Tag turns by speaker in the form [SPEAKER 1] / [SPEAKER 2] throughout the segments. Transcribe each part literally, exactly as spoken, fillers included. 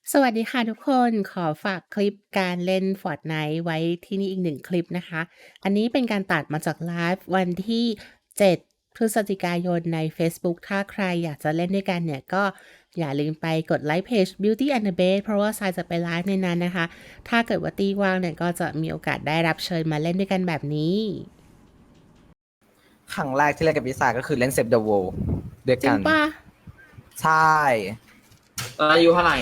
[SPEAKER 1] สวัสดีค่ะทุกคนขอฝากคลิปการเล่น Fortnite ไว้ที่นี่อีกหนึ่งคลิปนะคะอันนี้เป็นการตัดมาจากไลฟ์วันที่เจ็ดพฤศจิกายนในเฟซบุ๊กถ้าใครอยากจะเล่นด้วยกันเนี่ยก็อย่าลืมไปกดไลค์เพจ Beauty and the Beast เพราะว่าทรายจะไปไลฟ์ในนั้นนะคะถ้าเกิดว่าตีว่างเนี่ยก็จะมีโอกาสได้รับเชิญมาเล่นด้วยกันแบบนี้
[SPEAKER 2] ครั้งแรกที่เล่นกับพิซาก็คือเล่นเซฟเดอะโวลด้วย
[SPEAKER 1] จริ
[SPEAKER 2] กั
[SPEAKER 1] ง
[SPEAKER 2] น
[SPEAKER 1] ปะ
[SPEAKER 2] ใช่
[SPEAKER 3] ตอนอายุเท่าไหร่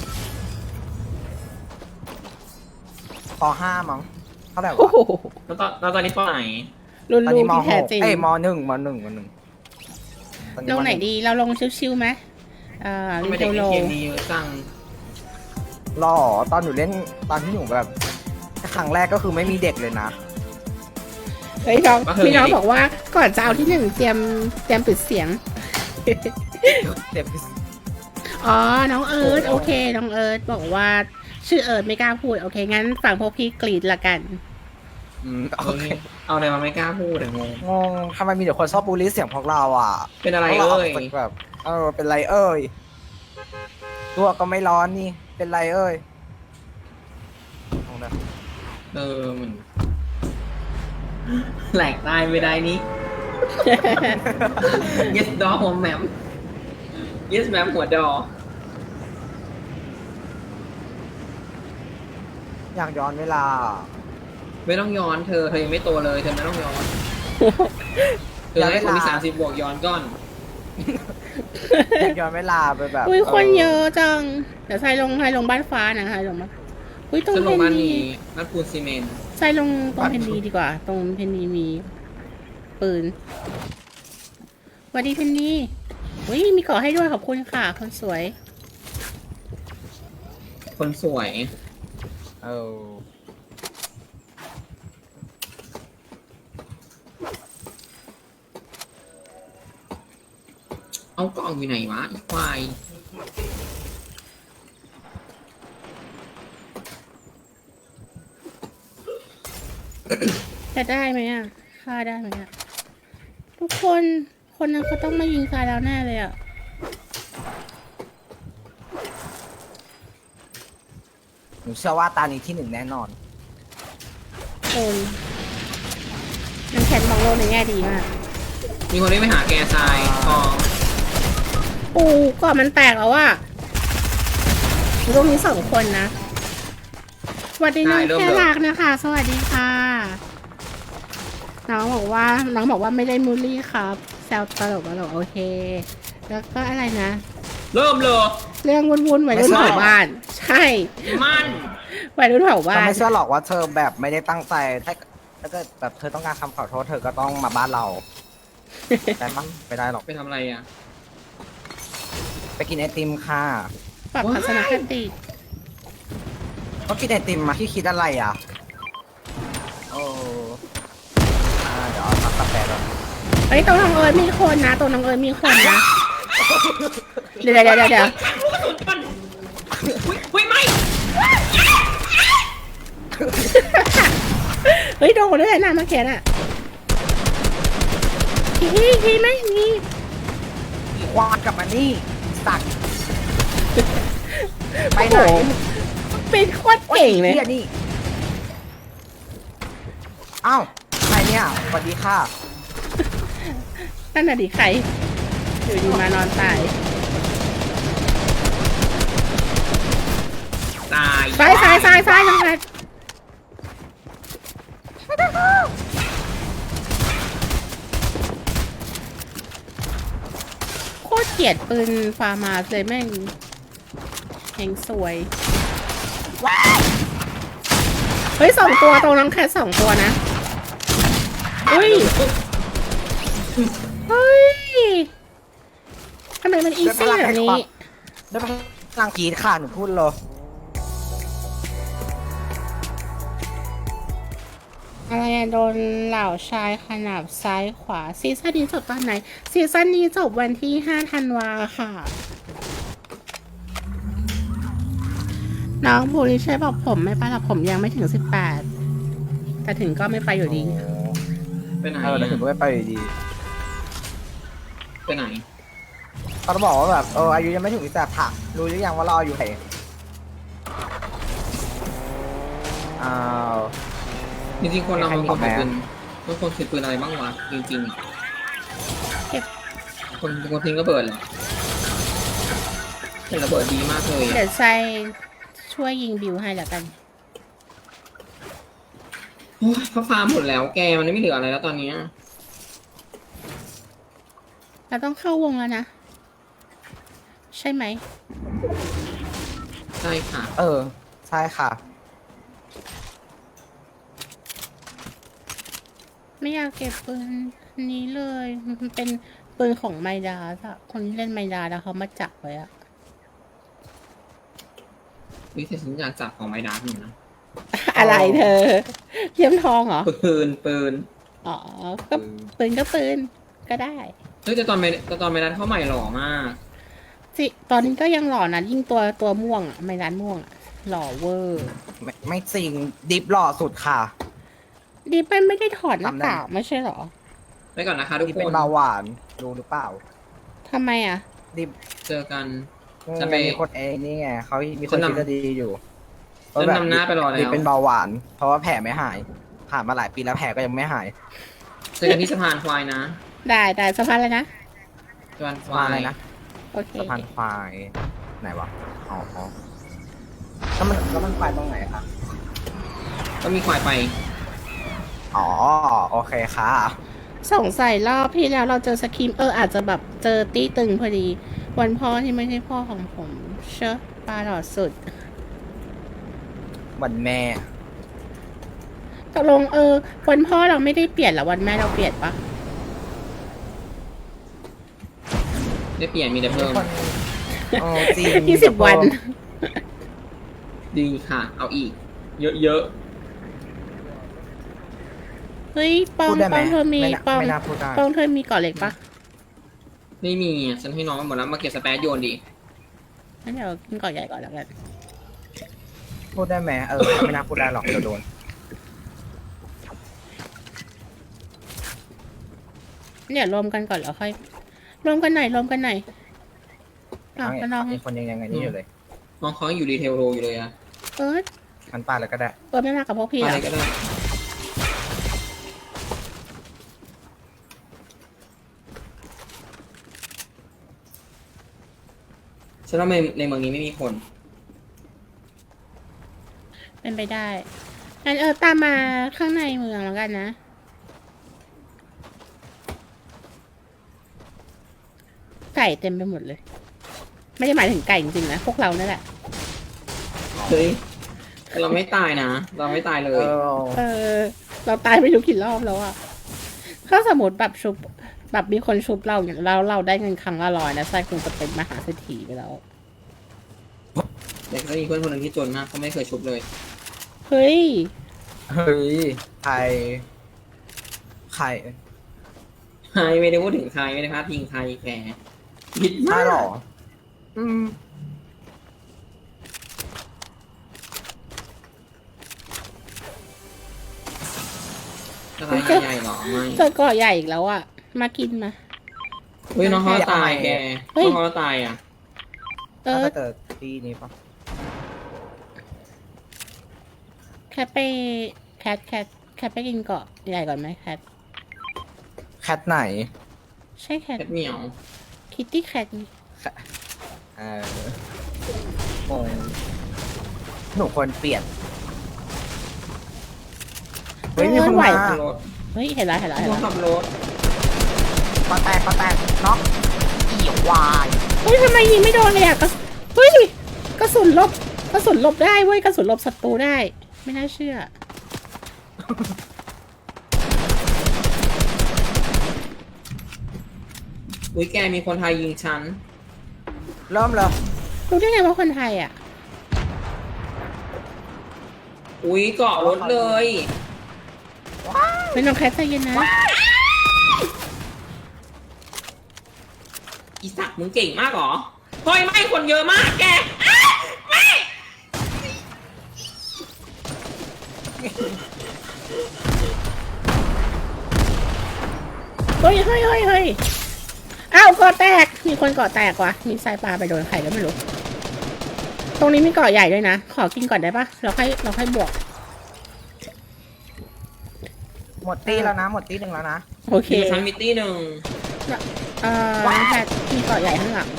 [SPEAKER 2] ปห้ามั้งเท่าไหร่
[SPEAKER 1] โอ้
[SPEAKER 2] วะ
[SPEAKER 1] โห
[SPEAKER 3] แล้วตอนแล้วตอนนี้ปไหน
[SPEAKER 1] รุ่น
[SPEAKER 2] ตอน
[SPEAKER 1] ลู
[SPEAKER 2] นี้
[SPEAKER 1] ก
[SPEAKER 2] ม
[SPEAKER 1] ที่
[SPEAKER 2] ห
[SPEAKER 1] แท้
[SPEAKER 2] ก
[SPEAKER 1] จริง
[SPEAKER 2] เอ้ยมหนึ่งมหนึ่งมหนึ่งตอ
[SPEAKER 1] ลงไหน
[SPEAKER 2] ม
[SPEAKER 1] ดีเราลงชิวๆไหมเอ่อ
[SPEAKER 3] ทำ
[SPEAKER 1] ลิ
[SPEAKER 3] ไม
[SPEAKER 1] โต
[SPEAKER 3] เด็กใน
[SPEAKER 1] โล
[SPEAKER 3] เกมนี้เยอะจัง
[SPEAKER 2] หล่อตอนหนูเล่นตอนที่หนูแบบครั้งแรกก็คือไม่มีเด็กเลยนะ
[SPEAKER 1] เฮ้ยน้องพี่น้องบอกว่าก่อนจะเอาที่หนึ่งเตรียมเตรียมปิดเสียง
[SPEAKER 2] เด็ก
[SPEAKER 1] อ๋อ น้องเอิร์ธโอเค น้องเอิร์ธบอกว่าชื่อเอิร์ธไม่กล้าพูด โอเค งั้นฟังพวกพี่กรีดละกัน
[SPEAKER 2] อืมโอเค
[SPEAKER 3] เอาอะไรมาไม่กล้าพูดแต่งง
[SPEAKER 2] งงทำไมมีแต่คนชอบบูลลี่เสียงพวกเราอ่ะ
[SPEAKER 3] เป็นอะไร
[SPEAKER 2] พวกา
[SPEAKER 3] เอ่ย
[SPEAKER 2] กจากแบบเออเป็นไรเอ้ยตัวก็ไม่ร้อนนี่เป็นไรเอ้ยเอาเลย
[SPEAKER 3] เออมันแหลกตายไม่ได้นี่ yes ดอหัวแหมม yes แหมมหัวดอ
[SPEAKER 2] อยากย้อนเวลา
[SPEAKER 3] ไม่ต้องย้อนเธอเธอยังไม่โตเลยเธอไม่ต้องย้อนเธอให้คนที่สามสิบบวกย้อนก่อน
[SPEAKER 2] อยากย้อนเวลาไปแบบ
[SPEAKER 1] อุ้ยคนเยอะจัง เดี๋ยวใส่ลงใส่ลงบ้านฟ้านะคะลงมาอุ้ยตรง
[SPEAKER 3] จะล
[SPEAKER 1] เพ
[SPEAKER 3] ง
[SPEAKER 1] น
[SPEAKER 3] บ้าน
[SPEAKER 1] นี
[SPEAKER 3] นี้บ้านปูนซีเมนต์
[SPEAKER 1] ใส่ลงตรงเพนนีดีกว่า ตรงเพนนีมีปืนสวัสดีเพนนีอุ้ยมีเกาะให้ด้วยขอบคุณค่ะ คนสวย
[SPEAKER 3] คนสวย
[SPEAKER 2] เออ
[SPEAKER 3] เอากล่องอยู่ไหนวะอีควาย
[SPEAKER 1] จะได้ไหมอ่ะฆ่าได้ไหมอ่ะ ทุกคน คนนั้นเขาต้องมายิงตายแล้วแน่เลยอ่ะ
[SPEAKER 2] หนูเชื่อว่าตานี้ที่หนึ่งแน่นอน
[SPEAKER 1] โอนมันแขนมองโลกในแง่ดีมาก
[SPEAKER 3] มีคนที่ไปหาแกทรายทอง
[SPEAKER 1] ปูก่อนมันแตกแล้วอ่ะตรงนี้สองคนนะ สวัสดีน้องแค่รักนะคะ สวัสดีค่ะ น้องบอกว่า น้องบอกว่าไม่ได้มูลลี่ครับ แซวตลกตลกโอเค แล้วก็อะไรนะ
[SPEAKER 3] เริ่มเลย
[SPEAKER 1] เรื่องวุ่นๆวัยรุ่น
[SPEAKER 2] ไม่ใช่
[SPEAKER 1] เผาบ้าน ใช่
[SPEAKER 3] มัน
[SPEAKER 1] วัยรุ่นเผาบ้า
[SPEAKER 2] ฉัน
[SPEAKER 1] น
[SPEAKER 2] ไม่เชื่อหรอกว่าเธอแบบไม่ได้ตั้งใจ ถ้าถ้าเกิดแบบเธอต้องการคำขอโทษเธอก็ต้องมาบ้านเรา แต่มั้งไม่ได้หรอก
[SPEAKER 3] ไปทำอะไรอ่ะ
[SPEAKER 2] ไปกินไอติมค่ะ
[SPEAKER 1] ปรับทัศนคติ
[SPEAKER 2] ก็กินไอติมมาที่คิดอะไรอ่ะ โอ้อ่าเดี๋ยวเอาทักกาแฟก่อน
[SPEAKER 1] เฮ้ยตรงน้องเอิร์ธมีคนนะตรงน้องเอิร์ธมีคนนะ เดี๋ยวเดี๋ยวเดี๋ยวเดี๋ยว
[SPEAKER 3] อุ้ยอุ้ยไม่
[SPEAKER 1] เฮ้ยโดนด้วยนะเมื่อกี้น่ะทีทีไหมมี
[SPEAKER 2] ควานกลับมานี่ สักไปไหน
[SPEAKER 1] โอ้โหเป็นโคตรเก่งเลย
[SPEAKER 2] ฮียนี่อ้าวใครเนี่ยสวัสดีค่ะ
[SPEAKER 1] นั่นน่ะดิใครอยู่ดีมานอนตาย
[SPEAKER 3] ตาย
[SPEAKER 1] ซ้ายซ้ายซ้ายซ้ายน้องแพทโคตรเกลียดปืนฟาร์มาเลยแม่งแหงสวย เฮ้ยสองตัวตรงน้องแคทสองตัวนะเฮ้ย เฮ้ย ทำไมมันอีซี่แบบนี้
[SPEAKER 2] ได้พลังกรีดค่ะหนูพูดเลย
[SPEAKER 1] อะไรอะโดนเหล่าชายขนาบซ้ายขวา ซีซั่นนี้จบตอนไหน ซีซั่นนี้จบวันที่ห้าธันวาค่ะ น้องภูริช่วยบอกผมไม่ไปหรอกผมยังไม่ถึงสิบแปดแต่ถึงก็ไม่ไปอยู่ดี
[SPEAKER 3] ไปไหน
[SPEAKER 2] เออแล้วถึงก็ไม่ไปอยู่ดี
[SPEAKER 3] ไปไหน
[SPEAKER 2] เขาบอกว่าแบบเอออายุยังไม่ถึงแต่ผักรู้หรือยังว่าเราอายู่ไหนอ้าว
[SPEAKER 3] จริงๆคนเรา
[SPEAKER 2] ใคร
[SPEAKER 3] มัน
[SPEAKER 2] มี
[SPEAKER 3] ควรถือ
[SPEAKER 2] แพ้
[SPEAKER 3] ปืนมันควรถือปืนอะไรบ้างวะจริง
[SPEAKER 1] เก็บ
[SPEAKER 3] ๆคนคนทิ้งระเบิดเหรอแต่ระเบิดดีมากเลย
[SPEAKER 1] เดี๋
[SPEAKER 3] อะ
[SPEAKER 1] ยวใส่ช่วยยิงบิวให้แล้วกัน
[SPEAKER 3] โอ้ยเขาฟาร์มหมดแล้วแกมันไม่เหลืออะไรแล้วตอนเนี้ย
[SPEAKER 1] เราต้องเข้าวงแล้วนะ ใช่ไหม
[SPEAKER 3] ใช่ค่ะ
[SPEAKER 2] เออ ใช่ค่ะ
[SPEAKER 1] ไม่อยากเก็บปืนนี้เลย มันเป็นปืนของไมดาสอะคนที่เล่นไมดาแล้วเขามาจับไว้อะ
[SPEAKER 3] วิแต่ฉันอยากจับของไม้ดาร์กหนึ่งนะ
[SPEAKER 1] อะไรเธอเยี่ยมทองเหรอ
[SPEAKER 3] ปืนปืน
[SPEAKER 1] อ๋อ ก็ปืนก็ปืนก็ได้
[SPEAKER 3] เฮ้ยแต่ตอนไม้แต่ตอนไม้ดาร์กเข้าใหม่หล่อมาก
[SPEAKER 1] สิตอนนี้ก็ยังหล่อนะ ยิ่งตัวตัวม่วงอะไมดานม่วงอะหล่อเวอร์
[SPEAKER 2] ไม่ไม่จริง ดิฟหล่อสุดค่ะ
[SPEAKER 1] ดีเป็นไม่ได้ถอดหน้า
[SPEAKER 2] ทำได้
[SPEAKER 1] กากไม่ใช่เหรอ
[SPEAKER 3] ไปก่อนนะคะทุก
[SPEAKER 2] ดิฟ
[SPEAKER 3] ค
[SPEAKER 2] เป็น
[SPEAKER 3] น
[SPEAKER 2] เบาหวานรู้หรือเปล่า
[SPEAKER 1] ทำไมอะ
[SPEAKER 2] ดิฟ
[SPEAKER 3] เจอกัน
[SPEAKER 2] นี่
[SPEAKER 3] จะ
[SPEAKER 2] ไง
[SPEAKER 3] ไป
[SPEAKER 2] มีคนเองนี่ไงเขามีค
[SPEAKER 3] ฉั
[SPEAKER 2] น
[SPEAKER 3] นนำ
[SPEAKER 2] คิดจะดีอยู่
[SPEAKER 3] ฉันนำหน้าไปรอแล้ว
[SPEAKER 2] ดิฟเป็นเบาหวาน เพราะว่าแผลไม่หาย ผ่านมาหลายปีแล้วแผลก็ยังไม่หาย
[SPEAKER 3] เจอกันที่สะพานควายนะ
[SPEAKER 1] ได้ได้สะพานเลยนะ
[SPEAKER 3] สะพานควา
[SPEAKER 2] มาอะไร
[SPEAKER 3] ย
[SPEAKER 2] นะ
[SPEAKER 1] โอเค
[SPEAKER 2] สะพานควายไหนวะ อ๋ออ๋อแล้วมันแล้วมันควายตรงไหนคะ
[SPEAKER 3] ก็มีควายไป
[SPEAKER 2] อ๋อ โอเคค่ะ
[SPEAKER 1] สงสัยรอบที่แล้วเราเจอสกิมเอออาจจะแบบเจอตี้ตึงพอดี วันพ่อที่ไม่ใช่พ่อของผม เชอะปลาหลอดสุด
[SPEAKER 2] วันแม่
[SPEAKER 1] ตกลงเออ วันพ่อเราไม่ได้เปลี่ยนเหรอวันแม่เราเปลี่ยนปะ
[SPEAKER 3] ได้เปลี่ยนมีแต่เพิ่ม
[SPEAKER 2] คนโอ้จริง
[SPEAKER 1] ยี่สิบวัน
[SPEAKER 3] ดีค่ะ เอาอีก เยอะ
[SPEAKER 1] เฮ้ยปอง
[SPEAKER 2] พูดได้ไห
[SPEAKER 1] ป
[SPEAKER 2] ม
[SPEAKER 1] องเธอมี
[SPEAKER 2] ไม่น่า
[SPEAKER 1] ปอง
[SPEAKER 2] ไม่น่าพูดได้
[SPEAKER 1] ปองเธอมีเกาะเหล็กปะ
[SPEAKER 3] ๆ ไม่มีอ่ะฉันให้น้องมาหมดแล้วมาเก็บสแปซโยนดิ
[SPEAKER 1] งั้นเดี๋ยวกินเกาะใหญ่ก่อนแล้วกัน
[SPEAKER 2] พูดได้ไหมเออ ไม่น่าพูดได้หรอกเดี๋ยวโดน
[SPEAKER 1] เนี่ยรวมกันก่อนแล้วค่อยรวมกันหน่อยรวมกันหน่อยอ้าวก็น้อง
[SPEAKER 2] มีคนยังยังไงนี่อยู่เลย
[SPEAKER 3] น้องเขายังอยู่รีเทลโรอยู่เลยอะ
[SPEAKER 1] เอิร์ธ
[SPEAKER 2] มันปาแล้วก็ได้
[SPEAKER 1] เอิร์ธไม่มากับพวกพี่เหร
[SPEAKER 3] อะไร
[SPEAKER 1] อ
[SPEAKER 3] ก็ได้ฉันว่าในในเมืองนี้ไม่มีคน
[SPEAKER 1] เป็นไปได้งั้นเออตามมาข้างในเมืองแล้วกันนะ ไก่เต็มไปหมดเลย ไม่ได้หมายถึงไก่จริงๆนะพวกเรานั่นแหละ
[SPEAKER 3] เฮ้ยแต่เราไม่ตายนะ เราไม่ตายเล
[SPEAKER 2] เอย อ
[SPEAKER 1] เออ เราตายไม่รู้กี่รอบแล้วอะถ้าสมมติแบบชุบแบบมีคนชุบเราอย่างเราเราได้เงินครั้งละร้อยนะไส้คงจะเป็นมหาเศรษฐีไปแล้ว
[SPEAKER 3] แต่ก็มีเพื่อนคนหนึ่งที่จนมากเขาไม่เคยชุบเลย
[SPEAKER 1] เฮ้ย
[SPEAKER 2] เฮ้ย ใคร ใคร
[SPEAKER 3] ใครไม่ได้พูดถึงใครไม่ได้พาดพิงใครแกคิด
[SPEAKER 2] ใช่
[SPEAKER 3] มาก
[SPEAKER 2] หรอ อืม
[SPEAKER 3] อะไรใหญ่ๆหรอไม่
[SPEAKER 1] เจอเกาะใหญ่อีกแล้วอะมากินมา
[SPEAKER 3] เฮ้ยน้องเขาตายแก
[SPEAKER 1] เฮ้ย
[SPEAKER 3] น้องเขาตายอ่ะ
[SPEAKER 1] เอ
[SPEAKER 2] ถ้า
[SPEAKER 1] อ
[SPEAKER 2] เจอที่นี้ปะ
[SPEAKER 1] แคทไปแคทแคทแคทไปกินเกาะใหญ่ก่อนไหมแคท
[SPEAKER 2] แคทไหน
[SPEAKER 1] ใช่แคท
[SPEAKER 3] แคทเหมียว
[SPEAKER 1] คิตตี้แคทนี่
[SPEAKER 2] เออโอ้หนูควรเปลี่ยน เฮ้ยมีคนมา
[SPEAKER 3] ขับรถ
[SPEAKER 1] เฮ้ยเห็นแล้วเห็นแล้วเห็น
[SPEAKER 3] น้อง
[SPEAKER 1] แล้ว
[SPEAKER 3] ขับรถ
[SPEAKER 2] ปะแตกปะแตกน็อกอีวาย
[SPEAKER 1] เฮ้ยทำไมยิงไม่โดนเลยอะกระสุนเฮ้ยกระสุนลบกระสุนลบได้เว้ยกระสุนลบศัตรูได้ ไม่น่าเชื่อ
[SPEAKER 3] อุ้ยแกมีคนไทยยิงฉัน
[SPEAKER 2] เริ่มเลย
[SPEAKER 1] รู้ได้ไงว่าคนไทยอะ
[SPEAKER 3] อุ้ยเกาะรถเลย
[SPEAKER 1] เป็นน้องแคทใจเย็นนะ
[SPEAKER 3] อีสักมึงเก่งมากเหรอเฮ้ยไม่คนเยอะมากแกอ้าไม่
[SPEAKER 1] เฮ้ยเฮ้ยเฮ้ยเฮ้ยอ้าวเกาะแตก มีคนเกาะแตกว่ะ มีสายปลาไปโดนใครแล้วไม่รู้ ตรงนี้มีเกาะใหญ่ด้วยนะ ขอกินก่อนได้ปะเราค่อยเราค่อยบวก
[SPEAKER 2] หมดตีแล้วนะ หมดตีหนึ่งแล้วนะ
[SPEAKER 1] โอเค
[SPEAKER 3] อยู่ชั้นมิตตี้หนึ่ง
[SPEAKER 1] เอ่อแพทที่เกาะใหญ่ข้างหลัง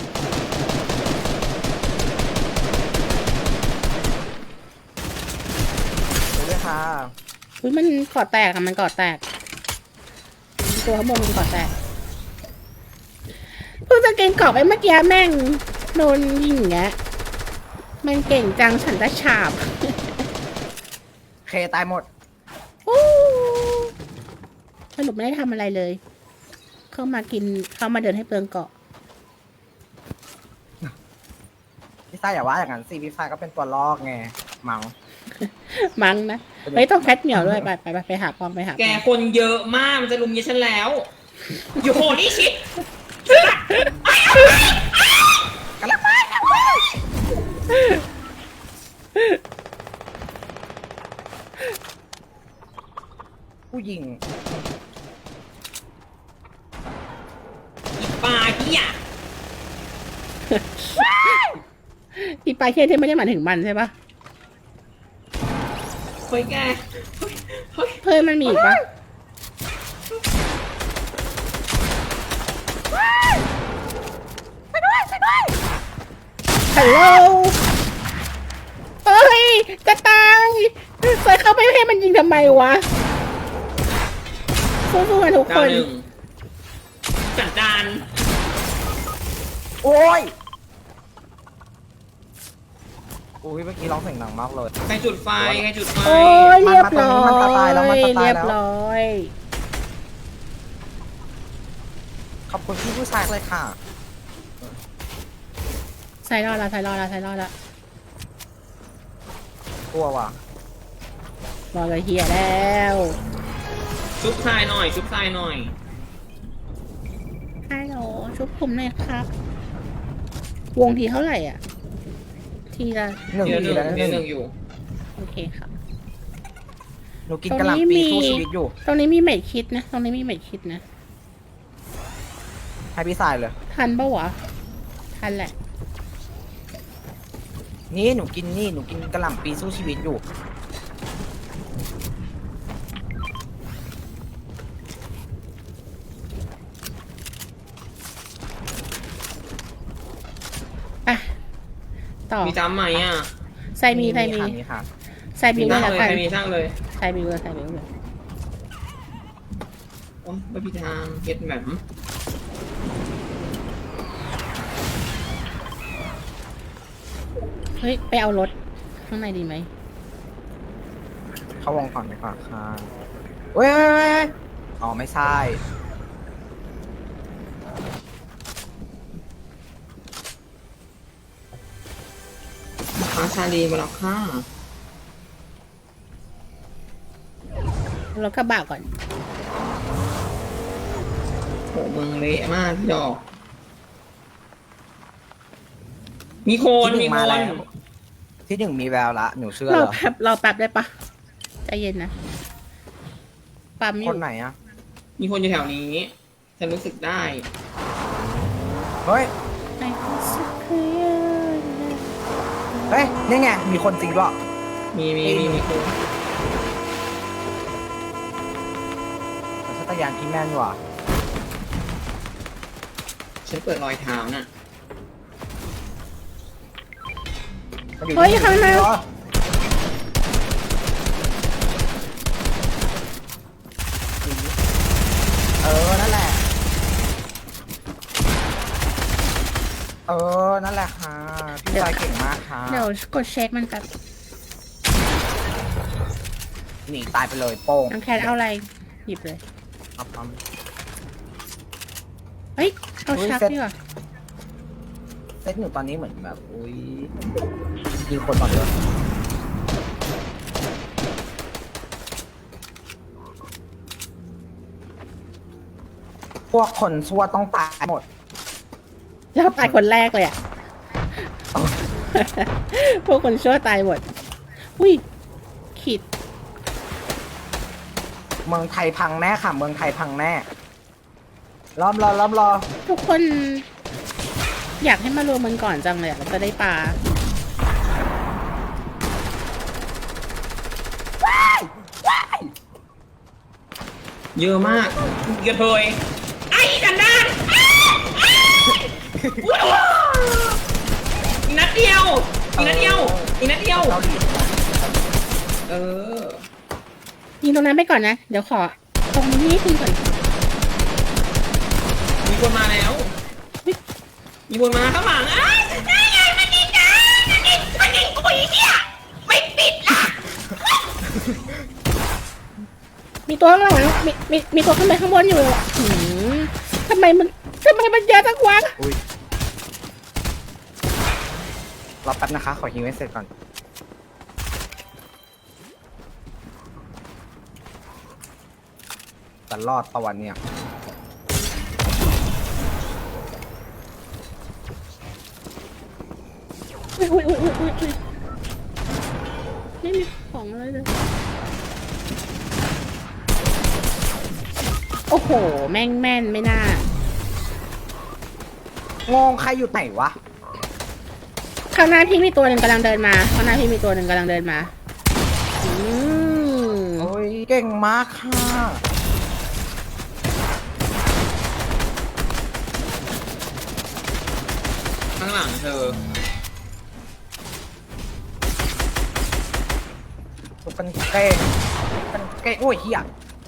[SPEAKER 2] ดูด้วยค่ะ
[SPEAKER 1] อุ้ยมันเกาะแตกอะมันเกาะแตก ตัวข้างบนมันเกาะแตกเพิ่งจะเก่งเกาะไปเมื่อกี้แม่งโดนยิงอย่างเงี้ยมันเก่งจังฉันจะฉาบ
[SPEAKER 2] เคตายหมด
[SPEAKER 1] โอ้สรุปไม่ได้ทำอะไรเลย เข้ามากินเข้ามาเดินให้เปลืองเกาะ
[SPEAKER 2] พี่ซ่าอย่าว่าอย่างนั้นสิพี่ซ่าก็เป็นตัวลอกไงเมา
[SPEAKER 1] มั้งนะเฮ้ยต้องแพทเหนียวด้วยไปไปไปไปหากองไปหา
[SPEAKER 3] แก
[SPEAKER 1] กอง
[SPEAKER 3] คนเยอะมากมันจะลุมยิงฉันแล้วอยู่โหนี่ชิด
[SPEAKER 2] กันละไปกันไปผู้หญิง
[SPEAKER 3] อีปลาเหี้ย
[SPEAKER 1] อีปลาเคียที่ไม่ได้หมายถึงมันใช่ปะ
[SPEAKER 3] เฮ้ยแกเฮ้ยเฮ้ย
[SPEAKER 1] เฮ้ยมันมีอีกปะฮัลโหลเฮ้ยจะตายใส่เข้าไปให้มันยิงทำไมวะสู้ๆกันทุก
[SPEAKER 3] ดา
[SPEAKER 1] คว น
[SPEAKER 3] หนึ่งสันดาน
[SPEAKER 2] โอ้ยอุ้ยเมื่อกี้ร้องเสียงดังมากเลย
[SPEAKER 3] ใครจุดไฟใครจุดไฟ
[SPEAKER 1] โอ้ยเรียบร้อ
[SPEAKER 2] มันมาตายแล้วมัน
[SPEAKER 1] ย
[SPEAKER 2] มาตายแล้ว
[SPEAKER 1] เรียบร้อย
[SPEAKER 2] ขอบคุณพี่ผู้ชายเลยค่ะ
[SPEAKER 1] ใส่รอดละใส่รอดละใส่รอดละ
[SPEAKER 2] กลัวว่ะ
[SPEAKER 1] รอดเลยเฮียแล้ว
[SPEAKER 3] ชุบทรายหน่อย ชุบทรายหน่อย
[SPEAKER 1] ฮัลโหลชุบผมหน่อยครับ วงทีเท่าไหร่อ่ะ ทีละ
[SPEAKER 2] หนึ่ง
[SPEAKER 3] เดี๋ยวห
[SPEAKER 2] ที
[SPEAKER 3] นึ่ง
[SPEAKER 2] แล้วห
[SPEAKER 3] เดี๋ยวห
[SPEAKER 2] นึ่
[SPEAKER 3] นึ่
[SPEAKER 2] ง
[SPEAKER 3] งอยู่
[SPEAKER 1] โอเคครับ
[SPEAKER 2] หนูกินกะหล่ำปีสู้ชีวิตอยู่
[SPEAKER 1] ตรงนี้มีเม็ดคิดนะ ตรงนี้มีเม็ดคิดนะ
[SPEAKER 2] ให้พี่ชายเลย
[SPEAKER 1] ทันปะวะ ทันแหละ
[SPEAKER 2] นี่หนูกินนี่หนูกินกะหล่ำปีสู้ชีวิตอยู่
[SPEAKER 1] ไป ต่อ
[SPEAKER 3] มีจำไหมอ่ะ
[SPEAKER 1] ใส่มีใส่มี
[SPEAKER 2] ค่ะมีค่ะ
[SPEAKER 1] ใส่มี
[SPEAKER 3] มี
[SPEAKER 1] ไว้
[SPEAKER 3] ช่าง
[SPEAKER 1] แล้ว
[SPEAKER 3] เลย
[SPEAKER 1] กัน
[SPEAKER 3] ใครมีช่างเลย
[SPEAKER 1] ใส่มีไว้ใส่มีไว้เลย
[SPEAKER 3] โอ้ยไม่มีทางเฮ็ดแบบ
[SPEAKER 1] เฮ้ย ไปเอารถข้างในดีไหม
[SPEAKER 2] เข้าวงก่อนไปก่อนค่ะเว้ยเว้ยเว้ยอ๋อไม่ใช่
[SPEAKER 3] อาชาลีมาแล้วค่ะ
[SPEAKER 1] รถกระบะก่อน
[SPEAKER 3] โหเมืองเละมากพี่ดอก มีโคน
[SPEAKER 2] ที่ห
[SPEAKER 3] มี
[SPEAKER 2] นึ่ง
[SPEAKER 3] โค
[SPEAKER 2] มาน แล้วที่หนึ่งมีแววละหนูเชื่อ
[SPEAKER 1] เรา
[SPEAKER 2] เหรอ
[SPEAKER 1] แป๊บเราแป๊บได้ปะใจเย็นนะ ปั๊มอ
[SPEAKER 2] ค
[SPEAKER 1] ยู่
[SPEAKER 2] นไหนอะ
[SPEAKER 3] มีคนอยู่แถวนี้ ฉันรู้สึกได้
[SPEAKER 2] เฮ้ย
[SPEAKER 1] ในสักคืน
[SPEAKER 2] เฮ้ยนี่ไงมีคนจริงด้วย
[SPEAKER 3] มีมีมีมีคน
[SPEAKER 2] ชัตยานพี่แม่นว่ะ
[SPEAKER 3] ฉันเปิดรอยเท้าน่ะ
[SPEAKER 2] มันอ
[SPEAKER 1] เฮ้ย
[SPEAKER 2] ที่
[SPEAKER 1] ข้างหน้า
[SPEAKER 2] เหรอเออนั่นแหละ เออนั่นแหละค่ะพี่ชายเก่งมากค่ะ
[SPEAKER 1] เดี๋ยวกดเช็คมันแบบ
[SPEAKER 2] หนีตายไปเลยโป้ง
[SPEAKER 1] น้องแคทเอาอะไร หยิบเลย
[SPEAKER 2] เอาปั๊ม
[SPEAKER 1] เฮ้ย เอา
[SPEAKER 2] อุ๊ย
[SPEAKER 1] ชัก
[SPEAKER 2] เซ็ต
[SPEAKER 1] ดีกว่า
[SPEAKER 2] เซตหนูตอนนี้เหมือนแบบ อุ้ยยิงคนก่อนเลยพวกคนชั่วต้องตายหมด
[SPEAKER 1] แล้วตายคนแรกเลยอ่ะ พวกคนชั่วตายหมด อุ้ย ขีด
[SPEAKER 2] เมืองไทยพังแน่ค่ะ เมืองไทยพังแน่ล้อมรอล้อมรอ
[SPEAKER 1] ทุกคน อยากให้มารวมมันก่อนจังเลยอะเราจะได้ปลา
[SPEAKER 2] ว้ายว้าย
[SPEAKER 3] เยอะมากกระเทยไอ้กันดานอีกนัดเดียวอีกนัดเดียวอีกนัดเดียว
[SPEAKER 2] เกาหลี
[SPEAKER 3] เออ
[SPEAKER 1] ยิงตรงนั้นไปก่อนนะ เดี๋ยวขอตรงนี้ทีก่อน
[SPEAKER 3] มีคนมาแล้ว มีคนมาข้างหลังอ้ายได้ไงมันยิงนะมันยิงมันยิงกูอีเนี่ยไม่ปิดล่ะ
[SPEAKER 1] มีตัวข้างหลังมีมีมีตัวขึ้นไปข้างบนอยู่หืมทำไมมันทำไมมันเยอะจังวะ
[SPEAKER 2] อุ้ยรอแป๊บนะคะ ขอฮิวให้เสร็จก่อนแต่รอดประวันเนี่ย
[SPEAKER 1] อุ้ยอุ้ยอุ้ยอุ้ยอุ้ยอุ้ยไม่มีของอะไรเลย โอ้โห แม่งแม่นไม่น่าง
[SPEAKER 2] งใครอยู่ไหนวะ
[SPEAKER 1] ข้างหน้าพี่มีตัวหนึ่งกำลังเดินมา ข้างหน้าพี่มีตัวหนึ่งกำลังเดินมา อืม
[SPEAKER 2] โอ้ย เก่งมากค่ะ
[SPEAKER 3] ข้างหลังเธอ
[SPEAKER 2] ตัวกันเก่งกันเก่งโอ้ยเฮีย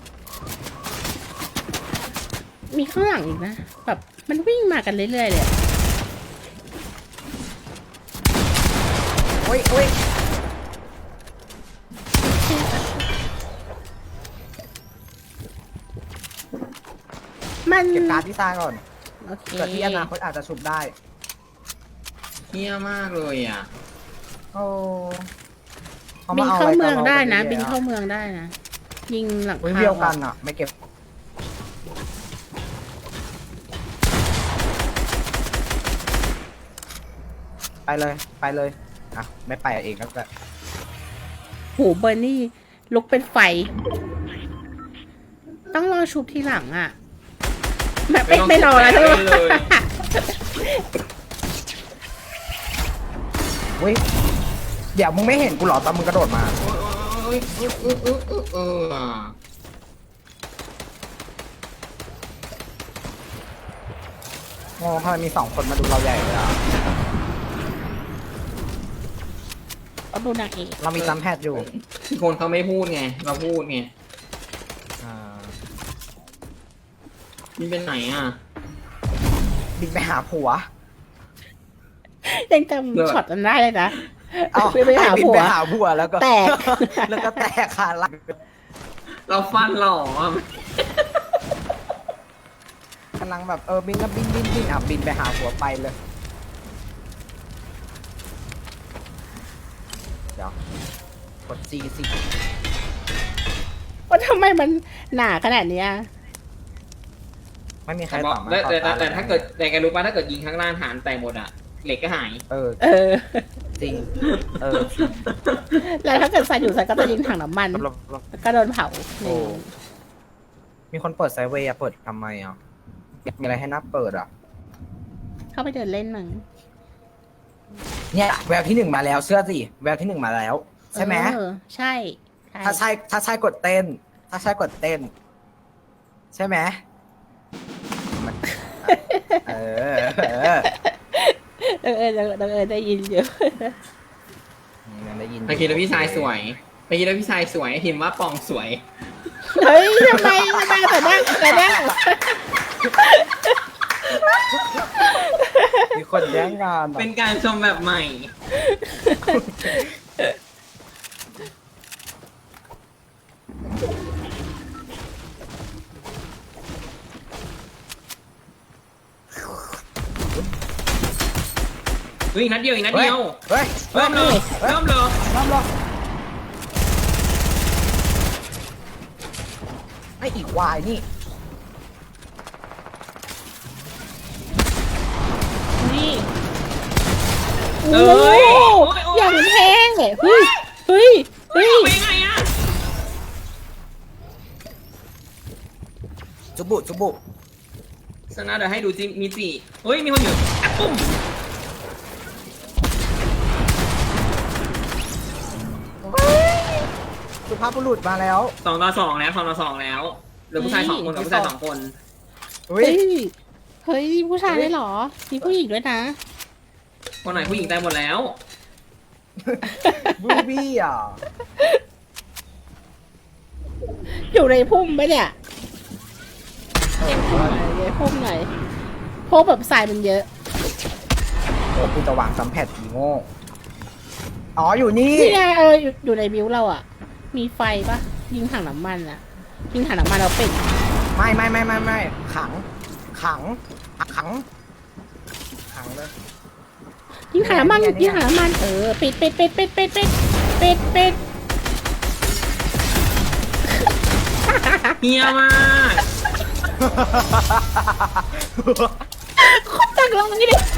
[SPEAKER 1] มีข้างหลังอีกนะ แบบมันวิ่งมากันเรื่อยๆเลยอะ
[SPEAKER 2] โอ้ยโอ้ย
[SPEAKER 1] มัน
[SPEAKER 2] เก็บการ์ดที่ตายก่อน
[SPEAKER 1] โอเค
[SPEAKER 2] เกิดที่อนาคตอาจจะชุบได้
[SPEAKER 3] เฮี้ยมากเลยอ่ะ
[SPEAKER 2] โอ้
[SPEAKER 1] บินเข้าเมืองได้นะ บิน
[SPEAKER 2] เข้า
[SPEAKER 1] เข้าเมืองได้นะ ยิงหลัง
[SPEAKER 2] เฮ้ย
[SPEAKER 1] คา
[SPEAKER 2] เดียวกันอ่ะ ไม่เก็บ ไปเลย ไปเลย อ่ะ ไม่ไปเองก็ได้
[SPEAKER 1] โหเบอร์นี่ลุกเป็นไฟ ต้องรอชุบทีหลังอ่ะ แบบไม่
[SPEAKER 3] ไม่
[SPEAKER 1] ไม่ร
[SPEAKER 3] ต้
[SPEAKER 1] อ
[SPEAKER 3] อง
[SPEAKER 1] แล้ว
[SPEAKER 3] ชุ
[SPEAKER 1] ใช่
[SPEAKER 3] บ
[SPEAKER 1] ไหม
[SPEAKER 3] เลย
[SPEAKER 2] เฮ้ย เดี๋ยวมึงไม่เห็นกูเหรอตอนมึงกระโดดมา
[SPEAKER 3] โอ้ยโอ้ยเออเออเออเออเออ
[SPEAKER 2] งงทำไมมีสองคนมาดูเราใหญ่เลยอ่ะ
[SPEAKER 1] เอาดูนางเอก
[SPEAKER 2] เรามีจำแพทย์อยู่
[SPEAKER 3] คนเขาไม่พูดไง เราพูดไง
[SPEAKER 2] อ่า
[SPEAKER 3] มันเป็นไหนอ่ะ
[SPEAKER 2] บินไปหาผัว
[SPEAKER 1] ยังจ
[SPEAKER 3] เลิศ
[SPEAKER 1] ำช็อตนั้นได้เลยนะ
[SPEAKER 2] เอา
[SPEAKER 1] ไปไปหา
[SPEAKER 2] บิน
[SPEAKER 1] ผัว
[SPEAKER 2] ไปหาผัวแล้วก็
[SPEAKER 1] แตก
[SPEAKER 2] แล้วก็แตกขาหลัง
[SPEAKER 3] เราฟันหล่ออ่ะ
[SPEAKER 2] กำลังแบบเออบินก็บินบินบินอ่ะบินไปหาผัวไปเลย เดี๋ยวกด G สิ
[SPEAKER 1] ว่าทำไมมันหนาขนาดเนี้ย
[SPEAKER 2] ไม่มีใคร
[SPEAKER 3] แต่
[SPEAKER 2] ต
[SPEAKER 3] บอ
[SPEAKER 2] อก บมา
[SPEAKER 3] แต่
[SPEAKER 2] ต่อ
[SPEAKER 3] แต่
[SPEAKER 2] ตา
[SPEAKER 3] แต่ถ้าเกิดแต่แกรู้ป่ะถ้าเกิดยิงข้างล่างฐานแตกหมดอ่ะ เหล็กก็หาย
[SPEAKER 2] เออ
[SPEAKER 1] เออ
[SPEAKER 2] จริง เออ
[SPEAKER 1] แล้วถ้าเกิดใส่อยู่ใส่ก็จะยิงถังน้ำมัน
[SPEAKER 2] ลบลบ
[SPEAKER 1] แล้วก็โดนเผา
[SPEAKER 2] โอ้ มีคนเปิดไซด์เวย์อะเปิดทำไมอ่ะมีอะไรให้นับเปิดอ่ะ
[SPEAKER 1] เข้าไปเดินเล่นมั้ง
[SPEAKER 2] เนี่ยแววที่หนึ่งมาแล้วเชื่อสิแววที่หนึ่งมาแล้ว ใช่ไหม
[SPEAKER 1] เออใช่ใช่
[SPEAKER 2] ถ้าใช่ถ้าใช่กดเต้น ถ้าใช่กดเต้น ใช่ไหมมันเออเออ
[SPEAKER 1] เออเออเออเออได้ยินอยู่
[SPEAKER 2] ยังได้ยิน
[SPEAKER 3] เมื่อกี้แล้วพี่ชายสวยเมื่อกี้แล้วพี่ชายสวยพิมพ์ว่าปองสวย
[SPEAKER 1] เฮ้ยทำไมทำไมแต่นั่งแต่นั่ง
[SPEAKER 2] มีคนแย่งงานอะ
[SPEAKER 3] เป็นการชมแบบใหม่ เฮ้ยอีกนัดเดียวอีกนัด
[SPEAKER 2] เฮ้ย
[SPEAKER 3] เดียว
[SPEAKER 2] เฮ้ย
[SPEAKER 3] เริ่มเลยเริ่มเลย
[SPEAKER 2] น้ำหรอไออีกวายนี่
[SPEAKER 1] นี่
[SPEAKER 3] เอ้
[SPEAKER 1] โอ้
[SPEAKER 3] ย
[SPEAKER 1] โห
[SPEAKER 3] โอ้ยโอ้ย
[SPEAKER 1] อย่างแพงเลยเฮ้ยเฮ้ยเฮ้ย
[SPEAKER 3] ไปไงอ่ะ
[SPEAKER 2] จุบุจุบุ
[SPEAKER 3] สนะเดี๋ยวให้ดูจิมีจิเฮ้ยมีคนอยู่แอปปุ้ม
[SPEAKER 2] สุภาพบุรุษมาแล้ว
[SPEAKER 3] สองต่อสองแล้วสองต่อสองแล้วหรือผู้ชายสองคนกับผู้ชายสองคน
[SPEAKER 2] อุ้ย
[SPEAKER 1] เฮ้ย เฮ้ย ผู้ชายได้เหรอ มีผู้หญิงด้วยนะ
[SPEAKER 3] คนไหนผู้หญิงตายหมดแล้ว
[SPEAKER 2] บูบี้อ่ะ
[SPEAKER 1] อยู่ในพุ่มปะเนี่ยในพุ่มหน่อยในพุ่มหน่อยเพราะแบบทรายมันเยอะ
[SPEAKER 2] โอ้กูจะวางซัมแพดอีโง่อ๋ออยู่นี่
[SPEAKER 1] นี่ไงเอออยู่อยู่ในบิวเราอ่ะ มีไฟปะยิงถังน้ำมันอ่ะ ยิงถังน้ำมันเราปิด
[SPEAKER 2] ไม่ไม่ไม่ไม่ไม่ขัง ขัง ขัง ขังเลย
[SPEAKER 1] ยิงถังน้ำมัน
[SPEAKER 2] เนี่ยเนี่ย
[SPEAKER 1] ยิงถังน้ำมันเออปิดปิดปิดปิดปิดปิดปิดปิด
[SPEAKER 3] เฮียมาก
[SPEAKER 1] คนตักลงนี่ดิ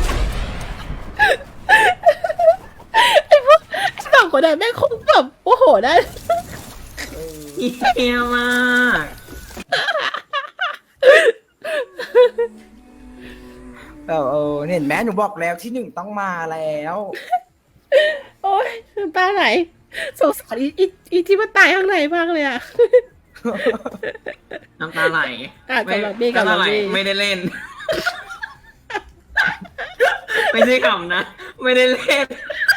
[SPEAKER 1] ไอ้พวกไอ้สองคนนั้นแม่งคงแบบโอ้โหได้
[SPEAKER 3] เฮียมาก
[SPEAKER 2] เออเออเห็นไหมหนูบอกแล้วที่หนึ่งต้องมาแล้ว
[SPEAKER 1] โอ้ยน้ำตาไหลสงสารอีอีอีที่มันตายข้างในมากเลยอ่ะ
[SPEAKER 3] น้ำตาไหล
[SPEAKER 1] อ่ะสำหรับบี้กับ
[SPEAKER 3] น้ำตาไหล
[SPEAKER 1] บี้
[SPEAKER 3] ไม่ได้เล่น ไม่ใช่ขำนะ ไม่ได้เล่น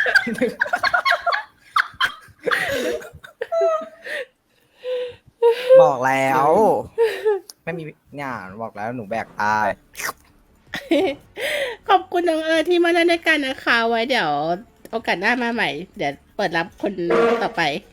[SPEAKER 2] บอกแล้ว ไม่มีเนี่ยบอกแล้วหนูแบกตาย
[SPEAKER 1] ขอบคุณน้องเอิร์ธที่มาเล่นด้วยกันนะคะ ไว้เดี๋ยวโอกาสหน้ามาใหม่ เดี๋ยวเปิดรับคนต่อไป